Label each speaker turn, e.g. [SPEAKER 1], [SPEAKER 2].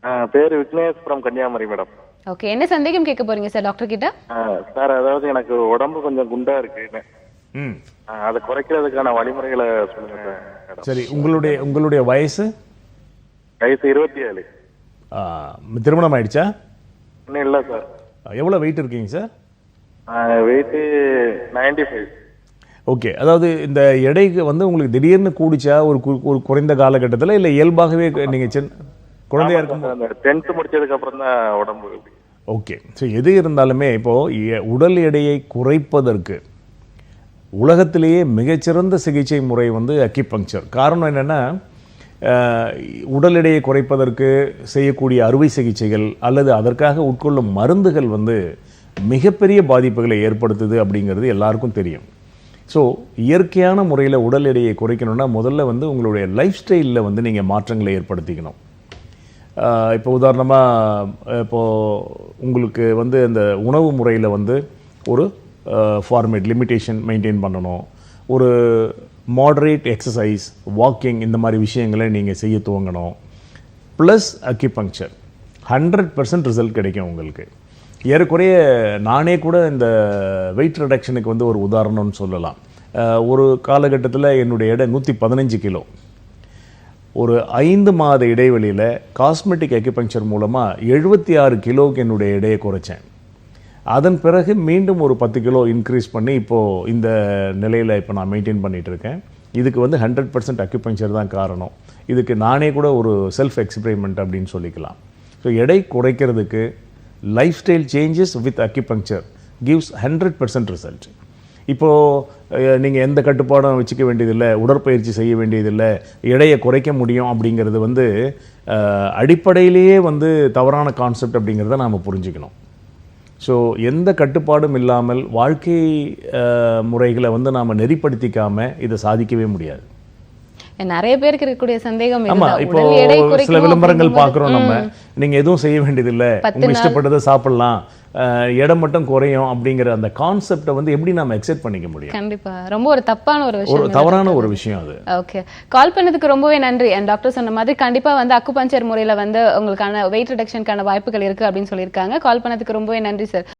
[SPEAKER 1] பேரு Vignesh from Kanyakumari madam.
[SPEAKER 2] Okay, என்ன சந்தேகம் கேட்க போறீங்க சார் டாக்டர் கிட்ட?
[SPEAKER 1] சார், அதாவது எனக்கு உடம்பு கொஞ்சம் குண்டா இருக்கு. அதை குறைக்கிறதுக்கான வழிமுறைகளை சொல்லுங்க சார்.
[SPEAKER 3] சரி, உங்களுடைய வயசு?
[SPEAKER 1] வயசு 27.
[SPEAKER 3] திருமணம் ஆயிடுச்சா?
[SPEAKER 1] இன்னும் இல்லை சார்.
[SPEAKER 3] எவ்வளோ வெயிட் இருக்கீங்க சார்?
[SPEAKER 1] வெயிட்டு 95.
[SPEAKER 3] ஓகே, அதாவது இந்த எடைக்கு வந்து உங்களுக்கு திடீர்னு கூடிச்சா ஒரு குறைந்த காலகட்டத்தில், இல்லை இயல்பாகவே நீங்கள் குழந்தையா இருக்கும்?
[SPEAKER 1] 10th முடிச்சதுக்கு அப்புறம் தான் உடம்பு.
[SPEAKER 3] ஓகே, ஸோ எது இருந்தாலுமே இப்போது உடல் எடையை குறைப்பதற்கு உலகத்திலேயே மிகச்சிறந்த சிகிச்சை முறை வந்து அக்கிபங்க்சர். காரணம் என்னென்னா, உடல் எடையை குறைப்பதற்கு செய்யக்கூடிய அறுவை சிகிச்சைகள் அல்லது அதற்காக உட்கொள்ளும் மருந்துகள் வந்து மிகப்பெரிய பாதிப்புகளை ஏற்படுத்துது அப்படிங்கிறது எல்லாருக்கும் தெரியும். ஸோ இயற்கையான முறையில் உடல் எடையை குறைக்கணும்னா முதல்ல வந்து உங்களுடைய லைஃப் ஸ்டைலில் வந்து நீங்கள் மாற்றங்களை ஏற்படுத்திக்கணும். இப்போ உதாரணமாக உங்களுக்கு வந்து அந்த உணவு முறையில் வந்து ஒரு ஃபார்மேட் லிமிட்டேஷன் மெயின்டைன் பண்ணணும். ஒரு மாடரேட் எக்ஸசைஸ், வாக்கிங், இந்த மாதிரி விஷயங்களை நீங்கள் செய்ய துவங்கணும். ப்ளஸ் அக்கிபங்க்சர் 100% ரிசல்ட் கிடைக்கும் உங்களுக்கு. ஏறக்குறைய நானே கூட இந்த வெயிட் ரிடக்ஷனுக்கு வந்து ஒரு உதாரணம்னு சொல்லலாம். ஒரு காலகட்டத்தில் என்னுடைய எடை 115 கிலோ. ஒரு 5 மாத இடைவெளியில் காஸ்மெட்டிக் அக்கிபங்க்சர் மூலமாக 76 கிலோவுக்கு என்னுடைய எடையை குறைச்சேன். அதன் பிறகு மீண்டும் ஒரு 10 கிலோ இன்க்ரீஸ் பண்ணி இப்போது இந்த நிலையில் இப்போ நான் மெயின்டைன் பண்ணிகிட்ருக்கேன். இதுக்கு வந்து 100% அக்கிபங்க்சர் தான் காரணம். இதுக்கு நானே கூட ஒரு செல்ஃப் எக்ஸ்பெரிமெண்ட் அப்படின்னு சொல்லிக்கலாம். ஸோ எடை குறைக்கிறதுக்கு lifestyle changes with acupuncture gives 100% result. இப்போது நீங்கள் எந்த கட்டுப்பாடும் வச்சுக்க வேண்டியதில்லை, உடற்பயிற்சி செய்ய வேண்டியதில்லை, எடையை குறைக்க முடியும் அப்படிங்கிறது வந்து அடிப்படையிலேயே வந்து தவறான கான்செப்ட் அப்படிங்கிறத நாம் புரிஞ்சுக்கணும். ஸோ எந்த கட்டுப்பாடும் இல்லாமல் வாழ்க்கை முறைகளை வந்து நாம் நெறிப்படுத்திக்காமல் இதை சாதிக்கவே முடியாது.
[SPEAKER 2] நிறைய பேருக்கு இருக்கக்கூடிய சந்தேகம்.
[SPEAKER 3] ஆமா, இப்போ சில விளம்பரங்கள் பார்க்குறோம் நம்ம, நீங்கள் எதுவும் செய்ய வேண்டியதில்லை, உங்களுக்கு இஷ்டப்பட்டதை சாப்பிடலாம், இடம் மட்டும் குறையும் அப்படிங்கிற அந்த கான்செப்டை வந்து எப்படி நாம அக்செப்ட் பண்ணிக்க முடியும்?
[SPEAKER 2] கண்டிப்பா ரொம்ப ஒரு தப்பான ஒரு விஷயம்,
[SPEAKER 3] ஒரு தவறான ஒரு விஷயம் அது.
[SPEAKER 2] ஓகே, கால் பண்ணதுக்கு ரொம்பவே நன்றி. டாக்டர் சொன்ன மாதிரி கண்டிப்பா வந்து அக்குபஞ்சர் முறையில வந்து உங்களுக்கான வெயிட் ரிடக்ஷனுக்கான வாய்ப்புகள் இருக்கு அப்படின்னு சொல்லியிருக்காங்க. கால் பண்ணதுக்கு ரொம்பவே நன்றி சார்.